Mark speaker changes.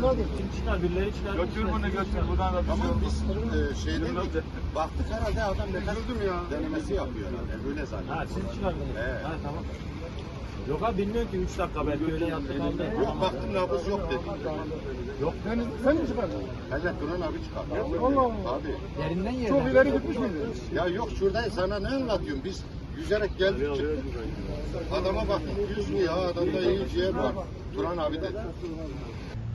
Speaker 1: Kim çıkar? Birileri çıkar.
Speaker 2: Götür bunu götür. Buradan da
Speaker 3: Tamam biz şeyden baktık herhalde adam nefes
Speaker 2: ya.
Speaker 3: denemesi yapıyor herhalde. Öyle zannediyorum.
Speaker 1: Ha siz çıkardınız.
Speaker 3: Evet.
Speaker 1: Ha tamam. Yok abi bilmiyorum ki 3 dakika belki öyle yattı kaldı.
Speaker 3: Yok baktım nabız yok dedi.
Speaker 1: Yok.
Speaker 4: Sen mi çıkardın?
Speaker 3: Evet Duran abi çıkardı.
Speaker 4: Allah Allah.
Speaker 3: Abi.
Speaker 1: Yerinden yerine.
Speaker 4: Çok ileri gitmiş miydi?
Speaker 3: Ya yok şuradayız sana ne anlatıyorum biz yüzerek geldik çıktık. Adama baktık yüz mü ya adamda iyi ciğer var. Turan abi dedi.